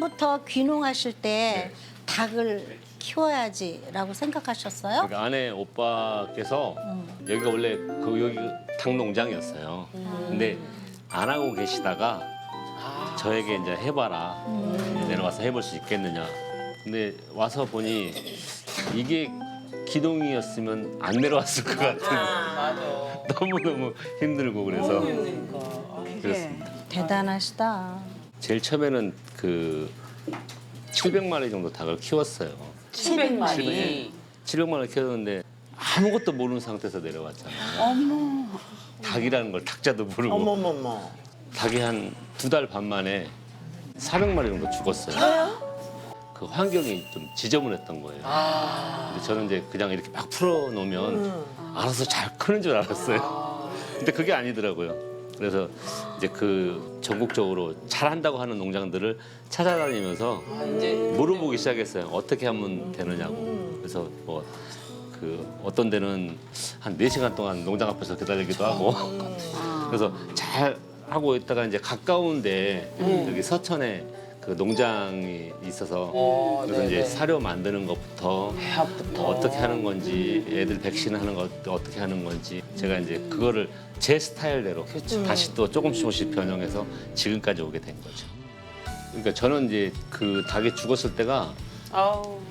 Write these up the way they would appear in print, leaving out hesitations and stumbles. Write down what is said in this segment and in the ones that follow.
언제부터 귀농하실 때 닭을 키워야지라고 생각하셨어요? 그러니까 아내 오빠께서 여기가 원래 여기 닭 농장이었어요. 근데 안 하고 계시다가 저에게 이제 해봐라. 내려와서 해볼 수 있겠느냐. 근데 와서 보니 이게 기동이었으면 안 내려왔을 것 같은. 맞아. 너무너무 힘들고 그래서 힘드니까. 그렇습니다. 대단하시다. 제일 처음에는 그 700마리 정도 닭을 키웠어요. 700마리. 700마리 키웠는데 아무것도 모르는 상태에서 내려왔잖아요. 닭이라는 걸 닭자도 모르고 어머머머. 닭이 한 2달 반 만에 400마리 정도 죽었어요. 그 환경이 좀 지저분했던 거예요. 근데 저는 이제 그냥 이렇게 막 풀어놓으면 알아서 잘 크는 줄 알았어요. 근데 그게 아니더라고요. 그래서 이제 그 전국적으로 잘한다고 하는 농장들을 찾아다니면서 이제 물어보기 시작했어요. 어떻게 하면 되느냐고. 그래서 뭐 그 어떤 데는 한 4시간 동안 농장 앞에서 기다리기도 하고 그래서 잘 하고 있다가 이제 가까운데 여기 서천에 그 농장이 있어서 그래서 이제 사료 만드는 것부터 배합부터. 어떻게 하는 건지 애들 백신하는 것 어떻게 하는 건지 제가 이제 그거를 제 스타일대로 다시 또 조금씩 변형해서 지금까지 오게 된 거죠. 그러니까 저는 이제 그 닭이 죽었을 때가 아우.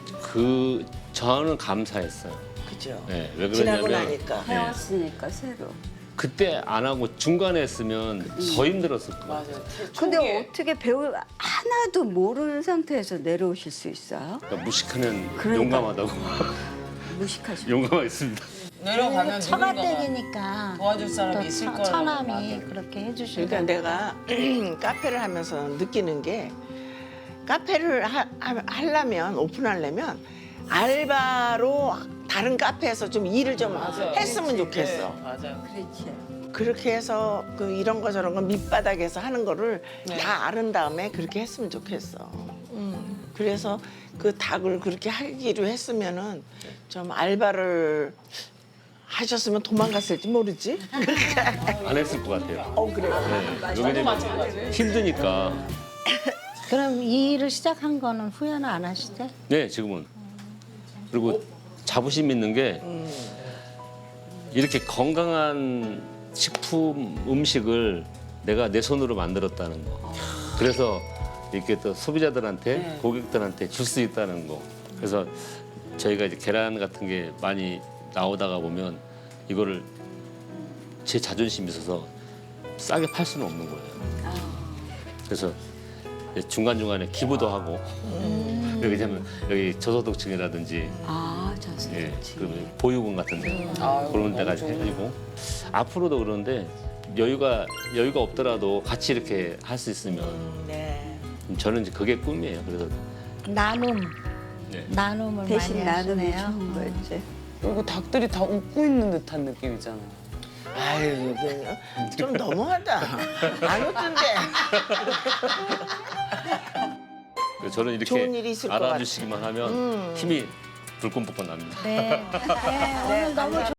저는 감사했어요. 그죠. 네, 왜 지나고 그러냐면 나니까. 네, 배웠으니까 새로. 그때 안 하고 중간에 했으면 더 힘들었을 거예요. 맞아. 근데 초기에. 어떻게 배우 하나도 모르는 상태에서 내려오실 수 있어요? 그러니까 무식하면 그러니까. 용감하다고 무식하시고. 용감하겠습니다. 내려가면 누군가가 처가댁이니까 도와줄 사람이 또 있을 거라고. 처남이 맞아. 그렇게 해주시고. 그러니까 내가 카페를 하면서 느끼는 게 카페를 하려면 오픈하려면 알바로 다른 카페에서 좀 일을 좀 맞아요. 했으면 그렇지. 좋겠어. 네, 맞아요. 그렇지. 그렇게 해서 그 이런 거 저런 거 밑바닥에서 하는 거를 네. 다 아는 다음에 그렇게 했으면 좋겠어. 그래서 그 닭을 그렇게 하기로 했으면은 좀 알바를 하셨으면 도망갔을지 모르지. 안 했을 것 같아요. 그래요. 네, 왜냐면 힘드니까. 그럼 이 일을 시작한 거는 후회는 안 하시대? 네, 지금은. 그리고 자부심 있는 게 이렇게 건강한 식품 음식을 내가 내 손으로 만들었다는 거. 그래서 이렇게 또 소비자들한테 고객들한테 줄 수 있다는 거. 그래서 저희가 이제 계란 같은 게 많이 나오다가 보면 이거를 제 자존심이 있어서 싸게 팔 수는 없는 거예요. 그래서 중간중간에 기부도 하고 여기 되면 여기 저소득층이라든지 자세. 예, 그러면 보육원 같은 데 아유, 그런 데가 너무 해주고 앞으로도 그런데 여유가 없더라도 같이 이렇게 할 수 있으면 네. 저는 이제 그게 꿈이에요. 그래서 나눔, 네. 나눔을 대신 많이 나눔이 하시네요. 좋은 거였지. 그리고 닭들이 다 웃고 있는 듯한 느낌이잖아. 아유, 좀 너무하다. 안 웃던데. 그래서 저는 이렇게 좋은 일이 있을 것 알아주시기만 하면 힘이 불끈불끈 납니다. 네. 네, 오늘 너무